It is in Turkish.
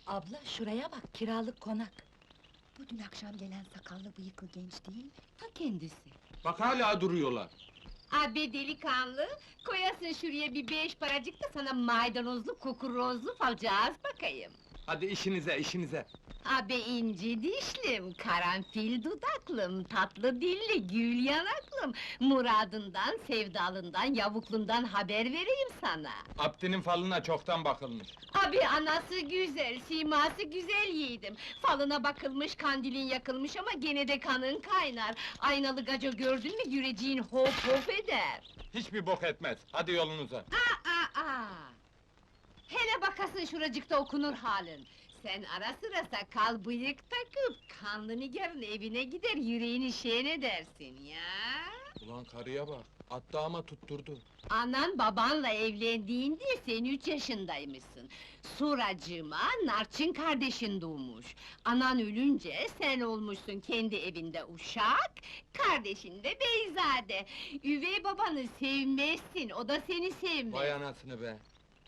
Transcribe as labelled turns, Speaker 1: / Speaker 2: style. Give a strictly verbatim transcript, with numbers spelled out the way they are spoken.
Speaker 1: Abla şuraya bak, kiralık konak.
Speaker 2: Bu dün akşam gelen sakallı bıyıklı genç değil mi?
Speaker 1: Ta kendisi.
Speaker 3: Bak hala duruyorlar.
Speaker 4: Abi delikanlı, koyasın şuraya bir beş paracık da sana maydanozlu, kukurozlu falcağız bakayım.
Speaker 3: Hadi işinize, işinize.
Speaker 4: Abi inci dişlim, karanfil dudaklım, tatlı dilli, gül yanaklım... Muradından, sevdalından, yavuklundan haber vereyim sana.
Speaker 3: Abdinin falına çoktan bakılmış.
Speaker 4: Abi anası güzel, siması güzel yiğidim. Falına bakılmış, kandilin yakılmış ama gene de kanın kaynar. Aynalı gaca gördün mü güreciğin hop hop eder.
Speaker 3: Hiçbir bok etmez. Hadi yolunuza.
Speaker 4: Aa, aa! Hele bakasın şuracıkta okunur halin. Sen ara sıra sakal bıyık takıp, kanlı nigarın evine gider, yüreğini şen edersin ya!
Speaker 3: Ulan karıya bak, attı ama tutturdu.
Speaker 4: Anan babanla evlendiğinde sen üç yaşındaymışsın. Suracığıma Narçın kardeşin doğmuş. Anan ölünce sen olmuşsun kendi evinde uşak, kardeşin de beyzade. Üvey babanı sevmezsin, o da seni sevmez.
Speaker 3: Vay anasını be!